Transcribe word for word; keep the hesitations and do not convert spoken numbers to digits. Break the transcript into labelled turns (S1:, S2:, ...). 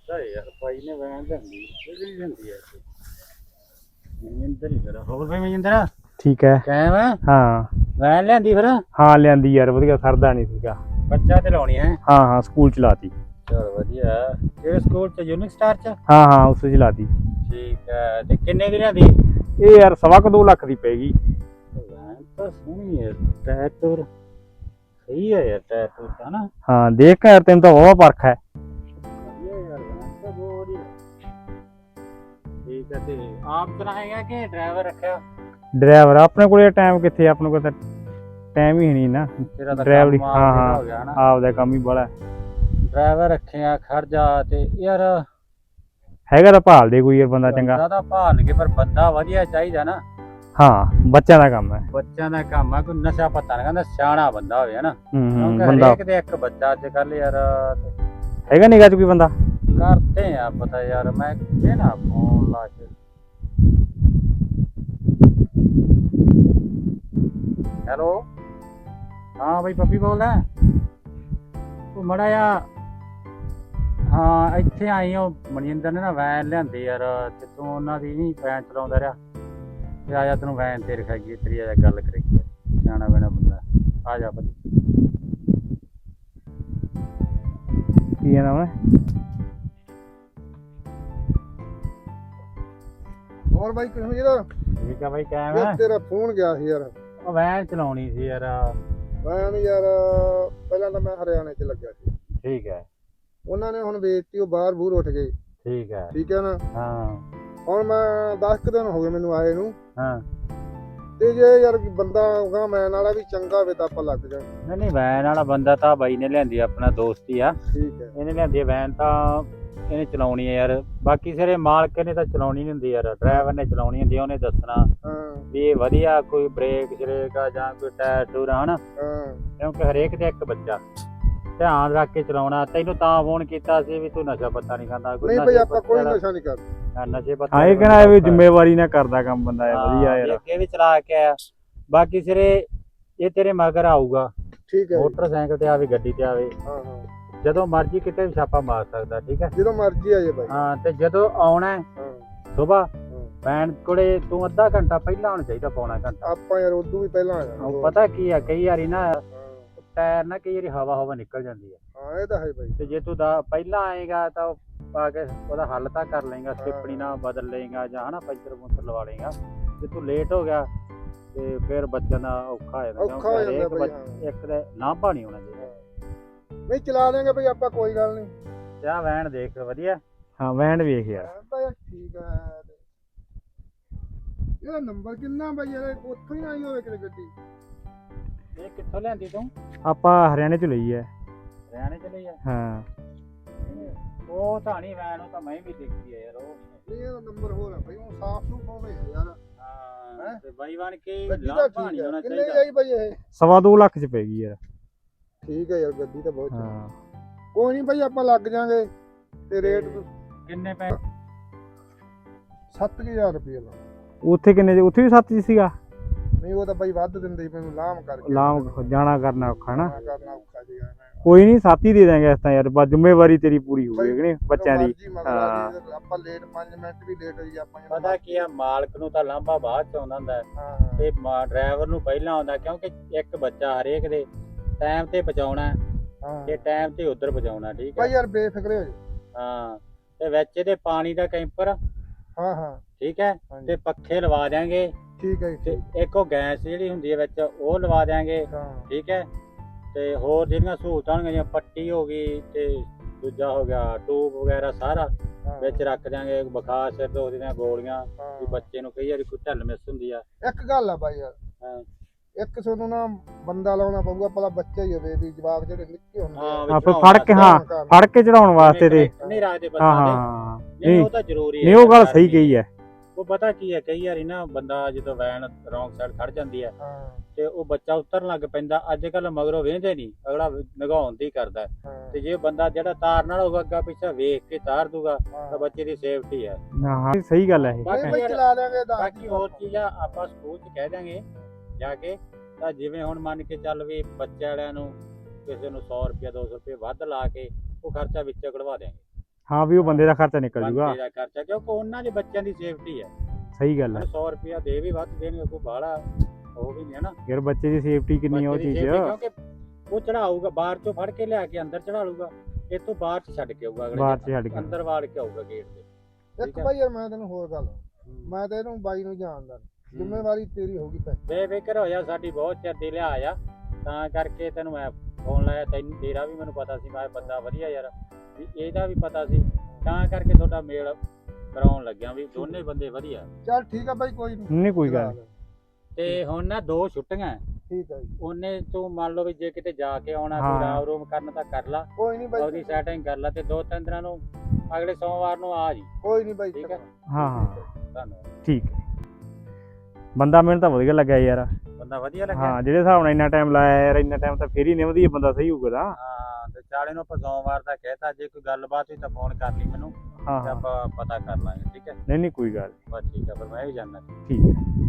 S1: ਅੱਛਾ ਯਾਰ ਭਾਈ ਨੇ ਵੈਨ ਲੈਂਦੀ ਕਿਹੜੀ ਲੈਂਦੀ ਐ ਮਨਿੰਦਰ ਹੀ ਕਰਾ ਹੋਰ ਭਾਈ ਮਨਿੰਦਰ
S2: ਠੀਕ ਹੈ
S1: ਕਾਇਮ ਆ
S2: ਹਾਂ
S1: ਵੈਨ ਲੈਂਦੀ ਫਿਰ
S2: ਹਾਂ ਲਿਆਂਦੀ ਯਾਰ ਵਧੀਆ ਸਰਦਾ ਨਹੀਂ ਸੀਗਾ
S1: ਬੱਚਾ ਤੇ ਲਾਉਣੀ ਹੈ
S2: ਹਾਂ ਹਾਂ ਸਕੂਲ ਚ ਲਾਤੀ
S1: ਚਲ ਵਧੀਆ ਕਿਹੜੇ ਸਕੂਲ ਚ ਯੂਨਿਕ ਸਟਾਰ ਚ
S2: ਹਾਂ ਹਾਂ ਉਸ ਚ ਲਾਤੀ
S1: ਠੀਕ ਹੈ ਤੇ ਕਿੰਨੇ ਦੀ ਲਿਆਂਦੀ
S2: ਇਹ ਯਾਰ ਸਵਾ ਕੁ ਦੋ ਲੱਖ ਦੀ ਪੈਗੀ
S1: ਵੈਨ ਤਾਂ ਸੋਹਣੀ ਹੈ ਟਾਇਰ ਟੂਰ ਸਹੀ ਹੈ ਯਾਰ ਟਾਇਰ ਟੂਰ ਤਾਂ ਨਾ
S2: ਹਾਂ ਦੇਖ ਕੇ ਯਾਰ ਤੈਨੂੰ ਤਾਂ ਬਹੁਤ ਪਰਖ ਹੈ
S1: ਵਧੀਆ ਯਾਰ ਵੈਨ ਤਾਂ ਬਹੁਤ ਵਧੀਆ ਠੀਕ ਹੈ ਤੇ ਆਪ ਚਲਾਏਗਾ ਕਿ ਡਰਾਈਵਰ ਰੱਖਿਆ
S2: ਡਰਾਈਵਰ ਆਪਣੇ ਕੋਲੇ ਟਾਈਮ ਕਿੱਥੇ ਆਪਣੇ ਕੋਲ ਤਾਂ ਟਾਈਮ ਹੀ ਨਹੀਂ ਨਾ
S1: ਤੇਰਾ ਤਾਂ
S2: ਡਰਾਈਵਰੀ
S1: ਕੰਮ
S2: ਹਾਂ
S1: ਆਪੇ ਦਾ
S2: ਹਾਂ
S1: ਹੋ ਗਿਆ ਨਾ
S2: ਆਪਦਾ ਕੰਮ ਹੀ ਬੜਾ
S1: ਡਰਾਈਵਰ ਰੱਖਿਆ ਖਰਜਾ ਤੇ ਯਾਰ
S2: ਹੈਗਾ ਤਾਂ ਭਾਲ ਦੇ ਕੋਈ ਯਾਰ ਬੰਦਾ ਚੰਗਾ
S1: ਬੰਦਾ ਤਾਂ ਭਾਲ ਕੇ ਪਰ ਬੰਦਾ ਵਧੀਆ ਚਾਹੀਦਾ ਨਾ
S2: ਹਾਂ ਬੱਚਿਆਂ ਦਾ ਕੰਮ ਹੈ
S1: ਬੱਚਿਆਂ ਦਾ ਕੰਮ ਆ ਕੋਈ ਨਸ਼ਾ ਪੱਤਾ ਨਾ ਕਹਿੰਦਾ ਸਿਆਣਾ ਬੰਦਾ ਹੋਵੇ ਹਨਾ
S2: ਹੂੰ ਹੂੰ
S1: ਕਿਉਂਕਿ
S2: ਬੰਦਾ
S1: ਹਰੇਕ ਦੇ ਇੱਕ ਬੱਚਾ ਅੱਜ ਕੱਲ ਯਾਰ
S2: ਹੈਗਾ ਨਿਗਾਹ ਚ ਕੋਈ ਬੰਦਾ
S1: ਕਰਦੇ ਆ ਪਤਾ ਯਾਰ ਮੈਂ ਕਿਹੜਾ ਫੋਨ ਲਾ ਕੇ ਹੈਲੋ ਹਾਂ ਬਈ ਪੱਪੀ ਬੋਲਦਾ ਉਹ ਮੜਾ ਆ ਹਾਂ ਇੱਥੇ ਆਈ ਉਹ ਮਨਿੰਦਰ ਨੇ ਨਾ ਵੈਨ ਲਿਆਂਦੀ ਯਾਰ ਤੇ ਤੂੰ ਉਹਨਾਂ ਦੀ ਨਹੀਂ ਵੈਨ ਚਲਾਉਂਦਾ ਰਿਹਾ ਤੇ ਆ ਜਾ ਤੈਨੂੰ ਵੈਨ ਤੇ ਰਖਾਈਏ ਤੇਰੀ ਆ ਜਾ ਗੱਲ ਕਰੀਏ ਸਿਆਣਾ ਬੈਣਾ ਬੰਦਾ ਆ ਜਾ ਭਾਈ
S2: ਕੀ ਹੈ ਨਾਮ
S3: ਹੋਰ ਬਾਈ ਕਿਹੋ ਜਿਹਾ
S1: ਠੀਕ ਆ ਬਾਈ ਕਾਇਮ
S3: ਯਾਰ
S1: ਹੈ
S3: ਤੇਰਾ ਫੋਨ ਗਿਆ ਸੀ ਯਾਰ
S1: ਉਹ ਵੈਨ ਚਲਾਉਣੀ ਸੀ ਯਾਰ
S3: ਮੈਂ ਨੀ ਯਾਰ ਪਹਿਲਾਂ ਤਾਂ ਮੈਂ ਹਰਿਆਣੇ 'ਚ ਲੱਗਿਆ ਸੀ
S1: ਠੀਕ ਹੈ
S3: ਉਹਨਾਂ ਨੇ ਹੁਣ ਵੇਚਤੀ ਉਹ ਬਾਹਰ ਬੂਰ ਉੱਠ ਗਏ
S1: ਠੀਕ ਹੈ
S3: ਠੀਕ ਹੈ ਨਾ
S1: ਹਾਂ
S3: ਹੁਣ ਮੈਂ ਦਸ ਕੁ ਦਿਨ ਹੋ ਗਏ ਮੈਨੂੰ ਆਏ ਨੂੰ
S1: ਹਾਂ
S3: ਤੇ ਜੇ ਯਾਰ ਬੰਦਾ ਹੋਗਾ ਮੈਂ ਨਾਲਾ ਵੀ ਚੰਗਾ ਹੋਵੇ ਤਾਂ ਆਪਾਂ ਲੱਗ ਜਾਵਾਂਗੇ
S1: ਨਹੀਂ ਨਹੀਂ ਵੈਨ ਵਾਲਾ ਬੰਦਾ ਤਾਂ ਬਾਈ ਨੇ ਲਿਆਂਦੀ ਆਪਣਾ ਦੋਸਤ ਹੀ ਆ
S3: ਠੀਕ ਹੈ
S1: ਇਹਨੇ ਲਿਆਂਦੀ ਵੈਨ ਤਾਂ ਇਹਨੇ ਚਲਾਉਣੀ ਹੈ ਯਾਰ ਬਾਕੀ ਸਾਰੇ ਮਾਲਕ ਨੇ ਤਾਂ ਚਲਾਉਣੀ ਨਹੀਂ ਹੁੰਦੀ ਯਾਰ ਡਰਾਈਵਰ ਨੇ ਚਲਾਉਣੀ ਹੁੰਦੀ ਉਹਨੇ ਦੱਸਣਾ
S3: ਹਾਂ
S1: ਵੀ ਇਹ ਵਧੀਆ ਕੋਈ ਬ੍ਰੇਕ ਸ਼ਰੇਕ ਆ ਜਾਂ ਕੋਈ ਟਾਇਰ ਟੂਰ ਹਨਾ
S3: ਹਾਂ
S1: ਕਿਉਂਕਿ ਹਰੇਕ ਦੇ ਇੱਕ ਬੱਚਾ ਧਿਆਨ ਰੱਖ ਕੇ ਚਲਾਉਣਾ ਤੈਨੂੰ ਤਾਂ ਫੋਨ ਕੀਤਾ ਸੀ ਵੀ ਤੂੰ ਨਸ਼ਾ ਪੱਤਾ ਨਹੀਂ ਖਾਂਦਾ
S3: ਨਹੀਂ ਬਈ ਆਪਾਂ ਕੋਈ ਨਸ਼ਾ ਨਹੀਂ ਕਰਦੇ
S1: ਹਾਂ, ਨਸ਼ੇ ਪੱਤੇ
S2: ਹਾਂ ਇਹ ਕਹਿੰਦਾ ਵੀ ਜ਼ਿੰਮੇਵਾਰੀ ਨਾਲ ਕਰਦਾ ਕੰਮ ਬੰਦਾ ਇਹ ਵਧੀਆ
S1: ਹਾਂ,
S2: ਯਾਰ
S1: ਅੱਗੇ ਵੀ ਚਲਾ ਕੇ ਆਇਆ ਬਾਕੀ ਸਿਰੇ ਇਹ ਤੇਰੇ ਮਗਰ ਆਊਗਾ
S3: ਠੀਕ ਹੈ ਜੀ।
S1: ਮੋਟਰਸਾਈਕਲ ਤੇ ਆਵੇ ਗੱਡੀ ਤੇ ਆਵੇ
S3: ਹਾਂ ਹਾਂ
S1: ਜਦੋਂ ਮਰਜ਼ੀ ਕਿਤੇ ਵੀ ਛਾਪਾ ਮਾਰ ਸਕਦਾ ਠੀਕ ਹੈ
S3: ਜਦੋਂ ਮਰਜ਼ੀ ਆ ਜੇ ਬਾਈ
S1: ਹਾਂ ਤੇ ਜਦੋਂ ਆਉਣਾ
S3: ਹਾਂ
S1: ਸਵੇਰ
S3: ਹਾਂ।
S1: ਵੈਨ ਕੋਲੇ ਤੂੰ ਅੱਧਾ ਘੰਟਾ ਪਹਿਲਾਂ ਆਉਣਾ ਚਾਹੀਦਾ ਪੌਣਾ ਘੰਟਾ
S3: ਆਪਾਂ ਯਾਰ ਉਦੋਂ ਵੀ ਪਹਿਲਾਂ ਆ ਜਾਣਾ
S1: ਉਹ ਪਤਾ ਕੀ ਆ ਕਈ ਵਾਰੀ ਨਾ
S3: ਹਾਂ
S1: ਟਾਇਰ ਨਾ ਕਈ ਵਾਰੀ ਹਵਾ ਹਵਾ ਨਿਕਲ ਜਾਂਦੀ ਹੈ
S3: ਹਾਂ ਇਹ ਤਾਂ ਹੈ ਬਾਈ
S1: ਤੇ ਜੇ ਤੂੰ ਦਾ ਪਹਿਲਾਂ ਆਏਗਾ ਤਾਂ ਉਹ ਪਾ ਕੇ ਉਹਦਾ ਹੱਲ ਤਾਂ ਕਰ ਲਏਗਾ ਸਟਿੱਪਣੀ ਨਾਲ ਬਦਲ ਲਏਗਾ ਜਾਂ ਹਨਾ ਪੰਚਰ ਪੁੰਚਰ ਲਵਾ ਲਏਗਾ ਜੇ ਤੂੰ ਲੇਟ ਹੋ ਗਿਆ ਤੇ ਫਿਰ ਬੱਚਿਆਂ ਦਾ ਔਖਾ ਹੋ ਜਾਂਦਾ
S3: ਔਖਾ ਹੋ ਜਾਂਦਾ
S1: ਹਰੇਕ
S3: ਬਈ,
S1: ਬੱਚ- ਇੱਕ ਦੇ ਲਾਂਭਾ ਨਹੀਂ ਹੋਣਾ ਚਾਹੀਦਾ
S3: ਨਹੀਂ ਚਲਾ ਦੇਂਗੇ ਬਈ ਆਪਾਂ ਕੋਈ ਗੱਲ ਨਹੀਂ
S1: ਤੇ ਆਹ ਵੈਨ ਦੇਖ ਵਧੀਆ
S2: ਹਾਂ ਵੈਨ ਵੇਖ ਯਾਰ
S3: ਤਾਂ ਯਾਰ ਠੀਕ ਹੈ ਇਹਦਾ ਨੰਬਰ ਕਿੰਨਾ ਬਈ ਯਾਰ ਉੱਥੋਂ ਹੀ ਆਈ ਹੋਵੇ ਕਿਤੇ ਗੱਡੀ
S1: ਇਹ ਕਿੱਥੋਂ ਲਿਆਂਦੀ ਤੂੰ
S2: ਆਪਾਂ ਹਰਿਆਣੇ ਚ ਲਈ ਹੈ
S1: ਹਰਿਆਣੇ ਚ ਲਈ ਆ
S2: ਹਾਂ
S1: ਉਹ ਤਾਂ ਨਹੀਂ ਵੈਨ ਉਹ ਤਾਂ ਮੈਂ ਵੀ ਦੇਖੀ ਆ ਯਾਰ ਉਹ
S3: ਨਹੀਂ ਇਹਦਾ ਨੰਬਰ ਹੋਰ ਹੈ ਬਈ ਉਹ ਸਾਫ ਸੂਫ ਹੋਵੇ ਯਾਰ
S1: ਹਾਂ ਤੇ ਬਾਈ ਬਣ ਕੇ
S3: ਗੱਡੀ ਤਾਂ
S1: ਲਾਂਭਾ
S3: ਠੀਕ
S1: ਨਹੀਂ ਹੋਣਾ
S3: ਹੈ ਕਿੰਨੇ
S1: ਚਾਹੀਦਾ
S3: ਆਈ ਬਈ ਇਹ
S2: ਸਵਾ ਦੋ ਲੱਖ ਚ ਪੈ ਗਈ ਯਾਰ
S3: ਠੀਕ ਹੈ ਯਾਰ ਗੱਡੀ ਤਾਂ ਬਹੁਤ ਚੰਗੀ
S2: ਹਾਂ
S3: ਕੋਈ ਨਹੀਂ ਬਈ ਆਪਾਂ ਲੱਗ ਜਾਾਂਗੇ ਤੇ ਰੇਟ
S1: ਕਿੰਨੇ ਪੈ
S3: ਸੱਤ ਹਜ਼ਾਰ ਰੁਪਏ ਲਾ
S2: ਉੱਥੇ ਕਿੰਨੇ ਚ ਉੱਥੇ ਵੀ ਸੱਤ ਚ ਸੀਗਾ
S3: ਨਹੀਂ ਉਹ ਤਾਂ ਬਈ ਵੱਧ ਦਿੰਦੇ ਸੀ ਮੈਨੂੰ ਲਾਮ ਕਰਕੇ
S2: ਲਾਮ ਜਾਣਾ ਕਰਨਾ ਔਖਾ ਨਾ
S3: ਜਾਣਾ ਕਰਨਾ ਔਖਾ ਜੀ
S2: ਕੋਈ ਨਹੀਂ ਸੱਤ ਹੀ ਦੇ ਦਾਂਗੇ ਇਸ ਤਾਂ ਯਾਰ ਬਸ ਜ਼ਿੰਮੇਵਾਰੀ ਤੇਰੀ ਪੂਰੀ ਹੋਊਗੀ ਕਿ ਨਹੀਂ ਬੱਚਿਆਂ ਦੀ ਹਾਂ।
S3: ਆਪਾਂ ਲੇਟ ਪੰਜ ਮਿੰਟ ਵੀ ਲੇਟ ਹੋਈ ਆਪਾਂ
S1: ਪਤਾ ਕੀ ਆ ਮਾਲਕ ਨੂੰ ਤਾਂ ਲਾਂਭਾ ਬਾਅਦ ਚ ਆਉਂਦਾ ਹੁੰਦਾ ਹੈ
S3: ਹਾਂ
S1: ਤੇ ਡਰਾਈਵਰ ਨੂੰ ਪਹਿਲਾਂ ਆਉਂਦਾ ਕਿਉਂਕਿ ਇੱਕ ਬੱਚਾ ਹਰੇਕ ਦੇ ਟਾਈਮ ਤੇ ਪਹੁੰਚਾਉਣਾ
S3: ਹਾਂ
S1: ਤੇ ਟਾਈਮ ਤੇ ਉਧਰ ਪਹੁੰਚਾਉਣਾ ਠੀਕ
S3: ਭਾਈ
S1: ਹੈ
S3: ਯਾਰ ਬੇਫਿਕਰੇ ਹੋ ਜਾ
S1: ਹਾਂ ਤੇ ਵਿੱਚ ਇਹਦੇ ਪਾਣੀ ਦਾ ਕੈਂਪਰ
S3: ਹਾਂ ਹਾਂ
S1: ਠੀਕ ਹੈ
S3: ਹਾਂਜੀ
S1: ਤੇ ਪੱਖੇ ਲਵਾ ਦਿਆਂਗੇ
S3: ਠੀਕ ਹੈ
S1: ਤੇ
S3: ਜੀ
S1: ਇੱਕ ਉਹ ਗੈਸ ਜਿਹੜੀ ਹੁੰਦੀ ਹੈ ਵਿੱਚ ਉਹ ਲਵਾ ਦਿਆਂਗੇ
S3: ਹਾਂ
S1: ਠੀਕ ਹੈ ਤੇ ਹੋਰ ਜਿਹੜੀਆਂ ਸਹੂਲਤਾਂ ਹੋਣਗੀਆਂ ਜਿਵੇਂ ਪੱਟੀ ਹੋ ਗਈ ਤੇ ਦੂਜਾ ਹੋ ਗਿਆ ਟੂਬ ਵਗੈਰਾ ਸਾਰਾ
S3: ਹਾਂ,
S1: ਵਿੱਚ ਰੱਖ ਦਿਆਂਗੇ ਬੁਖਾਰ ਸਿਰ ਦੁਖਦੀ ਦੀਆਂ ਗੋਲੀਆਂ
S3: ਹਾਂ।
S1: ਵੀ ਬੱਚੇ ਨੂੰ ਕਈ ਵਾਰੀ ਕੋਈ ਢਿੱਲ ਮਿਸ ਹੁੰਦੀ ਆ
S3: ਇੱਕ ਗੱਲ ਆ ਬਾਈ ਯਾਰ
S1: ਹਾਂ
S3: ਇੱਕ ਤੁਹਾਨੂੰ ਨਾ ਬੰਦਾ ਲਾਉਣਾ ਪਊਗਾ ਪਹਿਲਾ ਬੱਚਾ ਹੀ ਹੋਵੇ ਵੀ ਜਵਾਕ ਜਿਹੜੇ ਨਿੱਕੇ ਹੁੰਦੇ
S1: ਹਾਂ
S3: ਆ
S1: ਵੀ
S2: ਆਪੇ
S1: ਚੜਾਉਣ
S2: ਫੜ ਕੇ ਹਾਂ
S3: ਕੰਮ
S2: ਫੜ ਕੇ ਚੜਾਉਣ ਵਾਸਤੇ ਤੇ
S1: ਨਹੀਂ ਰੱਖਦੇ
S2: ਹਾਂ
S1: ਬੱਸਾਂ ਦੇ
S2: ਹਾਂ
S1: ਨਹੀਂ
S2: ਨਹੀਂ
S1: ਉਹ ਤਾਂ ਜ਼ਰੂਰੀ
S2: ਨਹੀਂ ਉਹ ਗੱਲ ਸਹੀ ਕਹੀ ਹੈ
S1: ਉਹ ਪਤਾ ਕੀ ਹੈ ਕਈ ਵਾਰੀ ਨਾ ਬੰਦਾ ਜਦੋਂ ਵੈਨ ਰੌਂਗ ਸਾਈਡ ਖੜ ਜਾਂਦੀ ਹੈ
S3: ਹਾਂ
S1: ਤੇ ਉਹ ਬੱਚਾ ਉਤਰਨ ਲੱਗ ਪੈਂਦਾ ਅੱਜ ਕੱਲ ਮਗਰੋਂ ਵੇਂਦੇ ਨਹੀਂ ਅਗਲਾ ਨਗਾਉਣ ਦੀ ਕਰਦਾ
S3: ਹਾਂ
S1: ਤੇ ਜੇ ਬੰਦਾ ਜਿਹੜਾ ਤਾਰ ਨਾਲ ਹੋਊਗਾ ਅੱਗਾ ਪਿੱਛਾ ਵੇਖ ਕੇ ਤਾਰ ਦੂਗਾ ਤਾਂ
S3: ਹਾਂ
S1: ਬੱਚੇ ਦੀ ਸੇਫਟੀ ਹੈ
S2: ਹਾਂ ਸਹੀ ਗੱਲ ਹੈ ਇਹ
S1: ਬਾਕੀ
S3: ਨਹੀਂ ਬਈ
S1: ਯਾਰ-
S3: ਚਲਾ ਦੇਾਂਗੇ ਤਾਂ
S1: ਬਾਕੀ ਹੋਰ ਚੀਜ਼ਾਂ ਆਪਾਂ ਸਕੂਲ 'ਚ ਕਹਿ ਦਾਂਗੇ ਜਾ ਕੇ ਤਾਂ ਜਿਵੇਂ ਹੁਣ ਮੰਨ ਕੇ ਚੱਲ ਵੀ ਬੱਚੇ ਵਾਲਿਆਂ ਨੂੰ ਕਿਸੇ ਨੂੰ ਸੌ ਰੁਪਇਆ ਦੋ ਸੌ ਰੁਪਏ ਵੱਧ ਲਾ ਕੇ ਉਹ ਖਰਚਾ ਵਿੱਚੋਂ ਕਢਵਾ ਦਿਆਂਗੇ
S2: ਹਾਂ ਵੀ ਉਹ ਬੰਦੇ ਦਾ ਖਰਚਾ ਨਿਕਲ ਜੂਗਾ।
S1: ਬੰਦੇ ਦਾ ਖਰਚਾ, ਕਿਉਂਕਿ ਉਹਨਾਂ ਦੇ ਬੱਚਿਆਂ ਦੀ ਸੇਫਟੀ ਹੈ।
S2: ਸਹੀ ਗੱਲ ਹੈ
S1: ਸੌ ਰੁਪਇਆ ਦੇ ਵੀ ਵੱਧ ਦੇਣਗੇ, ਕੋਈ ਬਾਹਲਾ ਉਹ ਵੀ ਨਹੀਂ ਹੈ ਨਾ।
S2: ਯਾਰ ਬੱਚੇ ਦੀ ਸੇਫਟੀ ਕਿੰਨੀ ਆ ਉਹ
S1: ਬੱਚੇ ਦੀ
S2: ਚੀਜ਼।
S1: safety, ਕਿਉਂਕਿ ਉਹ ਚੜਾਊਗਾ ਬਾਹਰ ਚੋਂ ਫੜ ਕੇ ਲਿਆ ਕੇ ਅੰਦਰ ਚੜਾ ਲੂਗਾ, ਇੱਥੋਂ ਬਾਹਰ ਚ ਛੱਡ ਕੇ ਆਊਗਾ ਅਗਲੇ
S2: ਬਾਹਰ
S1: ਦਿਨ,
S2: ਚ ਛੱਡ ਕੇ
S1: ਅੰਦਰ ਵਾੜ ਕੇ ਆਊਗਾ ਗੇਟ ਤੇ।
S3: ਇੱਕ
S1: ਠੀਕ ਹੈ।
S3: ਭਾਈ ਯਾਰ ਮੈਂ ਤੈਨੂੰ ਹੋਰ ਗੱਲ, ਮੈਂ ਤੇ ਇਹਨੂੰ ਬਾਈ ਨੂੰ ਜਾਣਦਾ, ਜ਼ਿੰਮੇਵਾਰੀ ਤੇਰੀ ਹੋਊਗੀ ਪੈ।
S1: ਬੇਫਿਕਰ ਹੋ ਜਾ, ਸਾਡੀ ਬਹੁਤ ਚਿਰ ਦੀ ਲਿਆ ਆ, ਤਾਂ ਕਰਕੇ ਤੈਨੂੰ ਮੈਂ ਫੋਨ ਲਾਇਆ। ਤੈਨੂੰ ਤੇਰਾ ਵੀ ਮੈਨੂੰ ਪਤਾ ਸੀ, ਮੈਂ ਬੰਦਾ ਵਧੀਆ ਯਾਰ, ਵੀ ਇਹਦਾ ਵੀ ਪਤਾ ਸੀ, ਤਾਂ ਕਰਕੇ ਤੁਹਾਡਾ ਮੇਲ ਕਰਾਉਣ ਲੱਗਿਆ ਵੀ ਦੋਨੇ ਬੰਦੇ ਵਧੀਆ।
S3: ਚੱਲ ਠੀਕ ਆ ਬਾਈ, ਕੋਈ ਨਹੀਂ
S2: ਨਹੀਂ ਕੋਈ ਗੱਲ ਨੀ।
S1: ਤੇ ਹੁਣ ਨਾ ਦੋ ਛੁੱਟੀਆਂ,
S3: ਠੀਕ ਆ ਜੀ,
S1: ਉਹਨੇ ਤੂੰ ਮੰਨ ਲਓ ਵੀ ਜੇ ਕਿਤੇ ਜਾ ਕੇ ਆਉਣਾ,
S2: ਹਾਂ।
S1: ਕੋਈ ਰਾਮ ਰੂਮ ਕਰਨ ਤਾਂ ਕਰ ਲਾ,
S3: ਕੋਈ ਨਹੀਂ ਬਾਈ,
S1: ਉਹਦੀ ਸੈਟਿੰਗ ਕਰ ਲਾ, ਤੇ ਦੋ ਤਿੰਨ ਦਿਨਾਂ ਨੂੰ ਅਗਲੇ ਸੋਮਵਾਰ ਨੂੰ ਆ ਜੀ।
S3: ਕੋਈ ਨਹੀਂ ਬਾਈ,
S1: ਠੀਕ ਹੈ।
S2: ਹਾਂ ਹਾਂ
S1: ਧੰਨਵਾਦ।
S2: ਠੀਕ ਹੈ। ਬੰਦਾ ਮੈਨੂੰ ਤਾਂ ਵਧੀਆ ਲੱਗਿਆ ਯਾਰ।
S1: ਬੰਦਾ ਵਧੀਆ ਲੱਗਿਆ।
S2: ਹਾਂ ਜਿਹੜੇ ਹਿਸਾਬ ਨਾਲ ਇੰਨਾ ਟਾਈਮ ਲਾਇਆ ਯਾਰ, ਇੰਨਾ ਟਾਈਮ ਤਾਂ ਫੇਰ ਹੀ ਨਿਭਦੀ ਬੰਦਾ ਸਹੀ ਹੋਊਗਾ ਤਾਂ।
S1: ਹਾਂ ਤੇ ਚਾਲੇ ਨੂੰ ਆਪਾਂ ਸੋਮਵਾਰ ਦਾ ਕਹਿਤਾ, ਜੇ ਕੋਈ ਗੱਲਬਾਤ ਹੋਈ ਤਾਂ ਫੋਨ ਕਰ ਲਈ ਮੈਨੂੰ,
S2: ਹਾਂ
S1: ਤੇ
S2: ਹਾਂ
S1: ਆਪਾਂ ਪਤਾ ਕਰ ਲਾਂਗੇ। ਠੀਕ ਹੈ।
S2: ਨਹੀਂ ਨਹੀਂ ਕੋਈ ਗੱਲ
S1: ਬਸ ਠੀਕ ਹੈ, ਫਿਰ ਮੈਂ ਵੀ ਜਾਣਾ।
S2: ਠੀਕ ਹੈ।